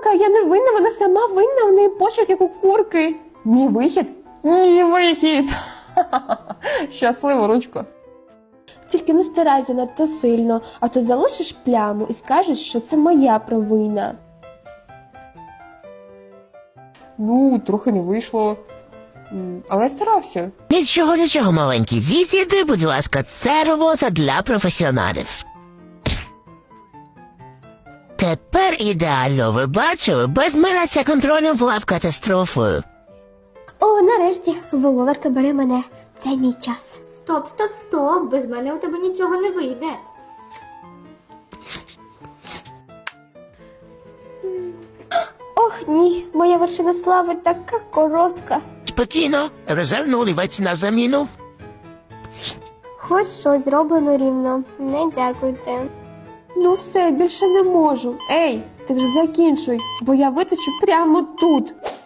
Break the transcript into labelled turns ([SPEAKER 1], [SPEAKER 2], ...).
[SPEAKER 1] Вовка, я не винна, вона сама винна, у неї почерк, як у курки. Мій вихід? Мій вихід. Щасливо, ручко. Тільки не старайся надто сильно, а то залишиш пляму і скажеш, що це моя провина. Ну, трохи не вийшло. Але я старався.
[SPEAKER 2] Нічого, маленький. Відійди, будь ласка, це робота для професіоналів. Тепер ідеально, ви бачили? Без мене ця контролем була б катастрофою.
[SPEAKER 3] О, нарешті, Воловерка бере мене. Це мій час. Стоп. Без мене у тебе нічого не вийде. Ох, ні, моя вершина слави така коротка.
[SPEAKER 2] Спокійно, резервний олівець на заміну.
[SPEAKER 3] Хоч щось зроблено рівно. Не дякуйте.
[SPEAKER 1] Ну все, більше не можу. Ей, ти вже закінчуй, бо я виточу прямо тут.